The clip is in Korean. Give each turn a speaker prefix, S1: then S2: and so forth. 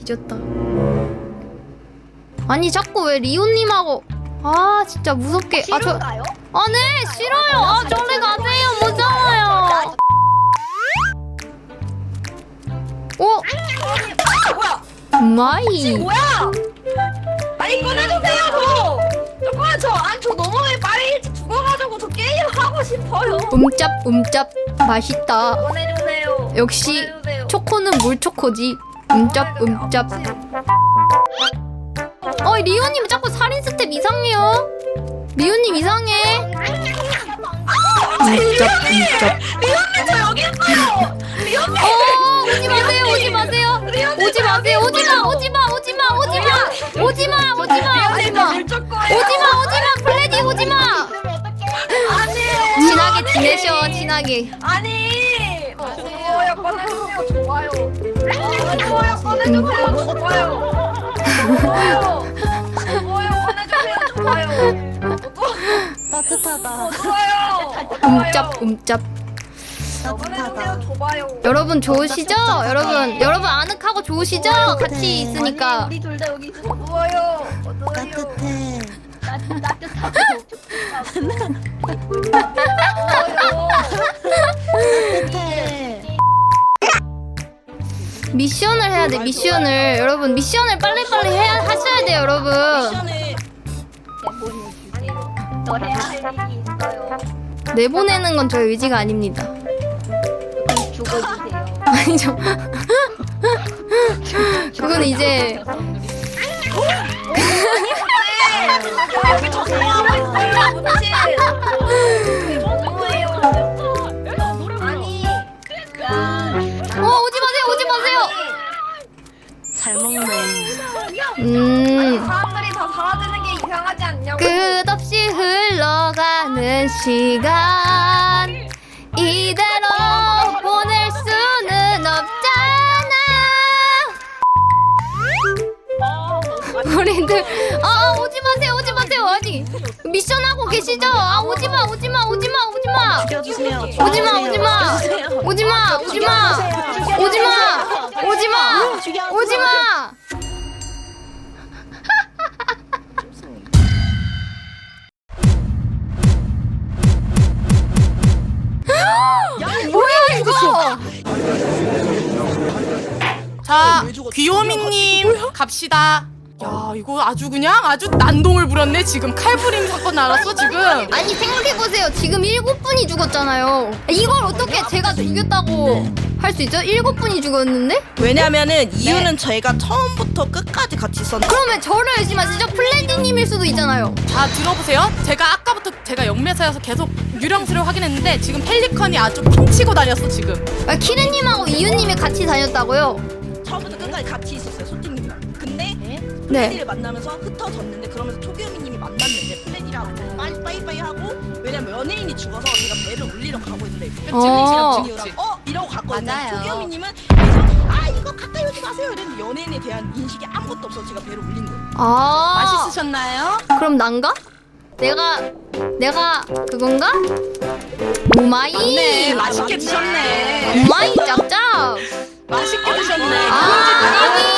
S1: 뒤졌다. 아니 자꾸 왜 리오님하고 아 진짜 무섭게
S2: 싫은가요?
S1: 네 싫어요. 아 저리 가세요. 무서워요. 오
S2: 뭐야?
S1: 마이
S2: 뭐야? 아니 꺼내주세요 저. 잠깐만 저 너무 빨리 일찍 죽어가지고 저 게임 하고 싶어요.
S1: 음짭 맛있다.
S2: 꺼내주세요.
S1: 역시
S2: 꺼내주세요.
S1: 초코는 물 초코지. 음짭. 리오님 자꾸 살인 스텝 이상해요. 리오님 이상해. 음짭.
S2: 리온님 저 여기 있어요. 리온님.
S1: 오지 마세요. 오지 마세요. 오지 마세요. 오지 마. 플래디 오지 마.
S2: 아니에요.
S1: 친하게 지내셔. 친하게.
S2: 아니. 좋아요 꺼내주세요. 좋아요. 좋아요 꺼내주세요. 좋아요 꺼내주세요. 좋아요.
S3: 따뜻하다.
S2: 좋아요.
S1: 음짭.
S2: 꺼내주세요. 좋아요.
S1: 여러분 좋으시죠? 여러분 아늑하고 좋으시죠? 같이 있으니까.
S2: 우리 둘 다 여기 있어. 좋아요.
S3: 따뜻해.
S2: 따뜻하고
S3: 따뜻해.
S1: 미션을 해야 돼. 미션을 여러분 미션을 빨리빨리 하셔야 돼요 여러분.
S2: 더 해야 할 일이 있어요.
S1: 내보내는 건 저의 의지가 아닙니다.
S2: 그럼 죽어주세요.
S1: 아니죠. 그건 이제
S2: 여기 저 좋아하고 있어요. 그치? 너무해요. 아니.
S1: 오지 마세요.
S3: 잘 먹네.
S2: 사람들이 다 사라지는 게 이상하지 않냐고.
S1: 끝없이 흘러가는 시간 이대로 보낼 수는 없잖아. 우리들 오지 마세요. 아니 미션하고 계시죠? 오지마.
S3: 죽여주세요.
S1: 오지마. 뭐야 이거?
S4: 자, 귀요미님 갑시다. 야, 이거 아주 난동을 부렸네. 지금 칼부림 사건 나왔어 지금.
S1: 아니 생각해보세요. 지금 7분이 죽었잖아요. 이걸 어떻게 제가 죽였다고 할 수 있죠? 7분이 죽었는데?
S3: 왜냐면은 이유는 저희가 처음부터 끝까지 같이 있었는데.
S1: 그러면 저를 의심하시죠? 플래디님일 수도 있잖아요.
S4: 자, 들어보세요. 제가 아까부터 제가 영매사여서 계속 유령수를 확인했는데 지금 펠리컨이 아주 핀치고 다녔어 지금.
S1: 키르님하고 이유님이 같이 다녔다고요?
S3: 처음부터 끝까지 같이 있었어요, 소팅님이랑. 근데
S1: 네.
S3: 플레디를 만나면서 흩어졌는데 그러면서 초기요미님이 만났는데 플레디랑 빠이빠이 하고 왜냐면 연예인이 죽어서 제가 배를 올리러 가고 있는데 플레디랑 중이랑 이러고 갔거든요.
S4: 맞아요.
S3: 초기요미님은 계속 이거 가까이 오지 마세요 이랬는데 연예인에 대한 인식이 아무것도 없어서 제가 배를 올린 거예요.
S4: 맛있으셨나요?
S1: 그럼 난가? 내가 그건가? 오마이.
S4: 네, 맛있게 드셨네.
S1: 오마이 짭짭.
S4: 맛있게 드셨네.
S1: 아니